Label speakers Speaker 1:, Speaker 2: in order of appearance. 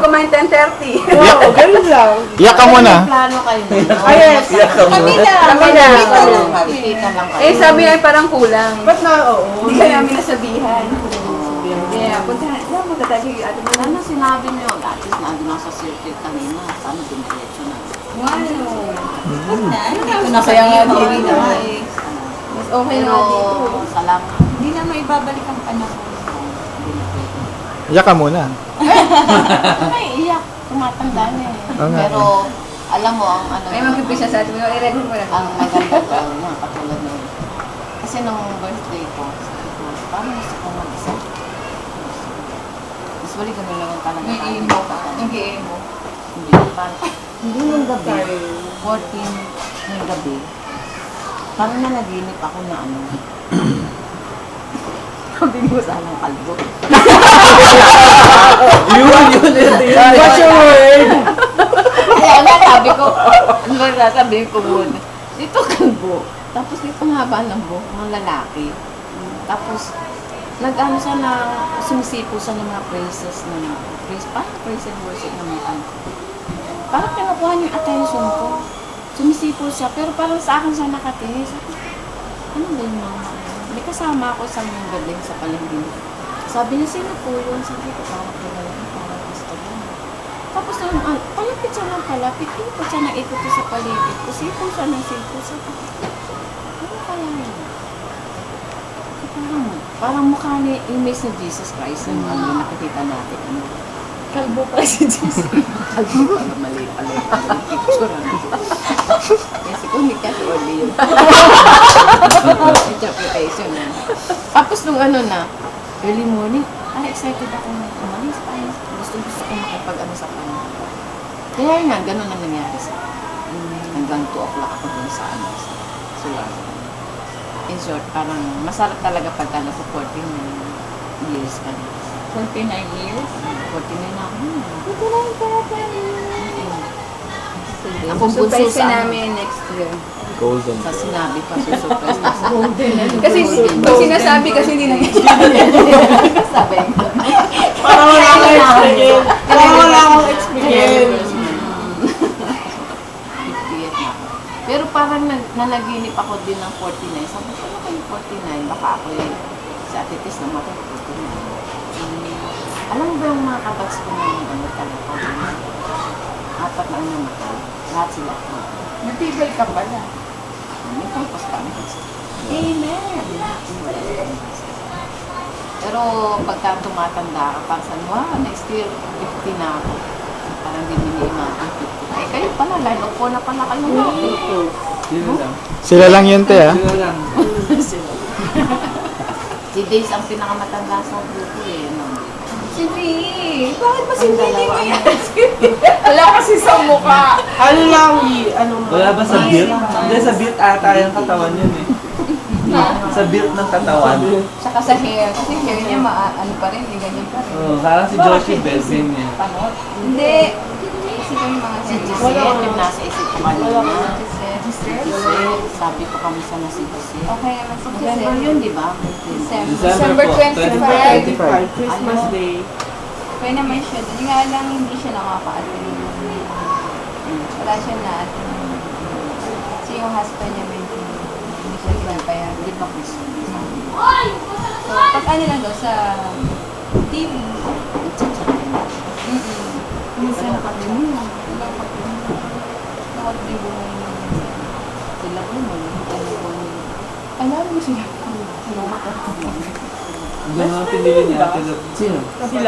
Speaker 1: kumain 10:30.
Speaker 2: Oo, ganun lang.
Speaker 3: Iyak ka muna.
Speaker 4: Plano kayo nito?
Speaker 2: Ay, yes.
Speaker 1: Kami na.
Speaker 4: Kita lang kayo.
Speaker 1: Eh, sabi niya parang kulang.
Speaker 2: Ba't na, oo.
Speaker 1: Hindi ka namin nasabihan. Kaya, punta na, magtatagi yung ate mo.
Speaker 4: Ano sinabi niyo? At least nandun ako sa circuit kanina. Paano dumiretso na?
Speaker 1: Ano na kaya nga dito? Mas okay
Speaker 4: Pero,
Speaker 1: na dito.
Speaker 4: salamat.
Speaker 5: Hindi na maibabalik ang panahon.
Speaker 3: Iyak ka muna.
Speaker 4: Ay, iyak. Tumatanda na eh.
Speaker 3: Oo nga.
Speaker 4: Pero, alam mo, ang ano,
Speaker 1: Ay, mag-umpisa sa atin mo. I-read mo na.
Speaker 4: ang maganda ko, mga katulad nun. Kasi nung birthday ko, sabi ko, parang gusto ko mag-isa. Usually, ganun lang ang talaga.
Speaker 1: May emo ka. Nag-emo.
Speaker 4: Hindi, parang, hindi nung gabi, 14 ng gabi, parang nanaginip ako na ano, sabi ko sanang kalbo.
Speaker 2: What's your word?
Speaker 4: Kaya nga sabi ko, ano ba sasabihin ko muna? Dito kalbo. Tapos dito ang haba ng buhok ng lalaki. Tapos, nag-ano siya na, sumisipo siya ng mga praises na, parang praise and worship ng mga ano. Parang pinakuha niya yung attention ko. Sumisipo siya, pero parang sa akin siya nakatingin. Sabi, ano ba yung mama? May kasama ako sa mga galing sa palengke. Sabi niya, sino po yun? Sabi ko, parang kilala niya, parang gusto niya. Tapos nung, palapit siya ng palapit, ikot siya na ikot sa paligid ko. Sipo siya ng sipo. Sabi ko, ano kaya yun? Parang mukha ni image ni Jesus Christ yung ano, nakikita natin. Ano? Kalbo pa si Jesus. Kalbo pa, mali pala yung picture. Kasi kung hindi kasi only yun. Interpretation na. Tapos nung ano na, early morning, excited ako na umalis pa. Gusto ko makipag-ano sa kanya. Kaya nga, ganun ang nangyari sa akin. Hanggang 2 o'clock ako dun sa ano, sa Suwan. In short, parang masarap talaga pagka nasa 14 years ka na.
Speaker 5: 49 years?
Speaker 4: 49 na ako.
Speaker 1: Ito lang pa.
Speaker 4: Ang bunso
Speaker 1: Surprise
Speaker 4: sa ano,
Speaker 1: namin next year.
Speaker 3: Golden.
Speaker 4: sa sinabi pa, susurprise na sa
Speaker 1: Kasi, pag sinasabi kasi hindi na
Speaker 4: sabi ko.
Speaker 2: Parang wala akong experience. Parang wala akong experience.
Speaker 4: 58 na ako. Pero parang nanaginip ako din ng 49. Sabi ko, ano kayo 49? Baka ako si Ate Tis na matututo na. Alam mo ba yung mga kabats ko na yung ano talaga? 4 na ang namatay. Lahat sila.
Speaker 5: Natibay ka pala.
Speaker 4: May purpose kami.
Speaker 5: Amen.
Speaker 4: Pero pagka tumatanda ka, parang sabi, wow, next year, 50 na ako. Parang hindi mini-imagine 50. Eh, kayo pala, line of 4 na pala kayo.
Speaker 6: Sino lang?
Speaker 3: Sila lang yun, te, ah.
Speaker 6: Sino lang?
Speaker 4: Si Days ang pinakamatanda sa grupo eh. No?
Speaker 5: Si V. Bakit ba si
Speaker 4: Ang
Speaker 5: V hindi
Speaker 4: dalawa
Speaker 5: mo
Speaker 4: ang
Speaker 5: yan? Wala kasi sa mukha.
Speaker 2: Ano lang, ano
Speaker 6: Wala ba sa build? Hindi, sa build ata yung katawan yun eh. Sa build ng katawan.
Speaker 1: Saka sa hair. Kasi hair niya, ano pa rin, ganyan pa rin.
Speaker 6: Oo, parang si Joshi Belvin eh.
Speaker 4: Panot.
Speaker 1: Hindi. Kasi kami mga
Speaker 4: Si
Speaker 1: hair.
Speaker 4: Giselle, yung nasa isip ko kanina.
Speaker 1: Giselle.
Speaker 4: Sabi ko kamusta na si Giselle.
Speaker 1: Okay naman si
Speaker 4: November
Speaker 1: Giselle.
Speaker 4: yun, di ba?
Speaker 1: December
Speaker 6: po,
Speaker 1: 25.
Speaker 2: 25, Christmas Day.
Speaker 1: Kaya naman siya. Doon nga lang hindi siya nakaka-attend. Wala siya na-attend. Kasi yung husband niya hindi siya pinapayagan.
Speaker 4: Hindi pa Christmas.
Speaker 1: So, pag ano lang daw sa TV.
Speaker 4: Minsan nakalimutan.
Speaker 1: Nakatribuhan niya.
Speaker 4: Sila po mo,
Speaker 1: Alam mo siya.
Speaker 6: Ganun ang pinili niya. Sino?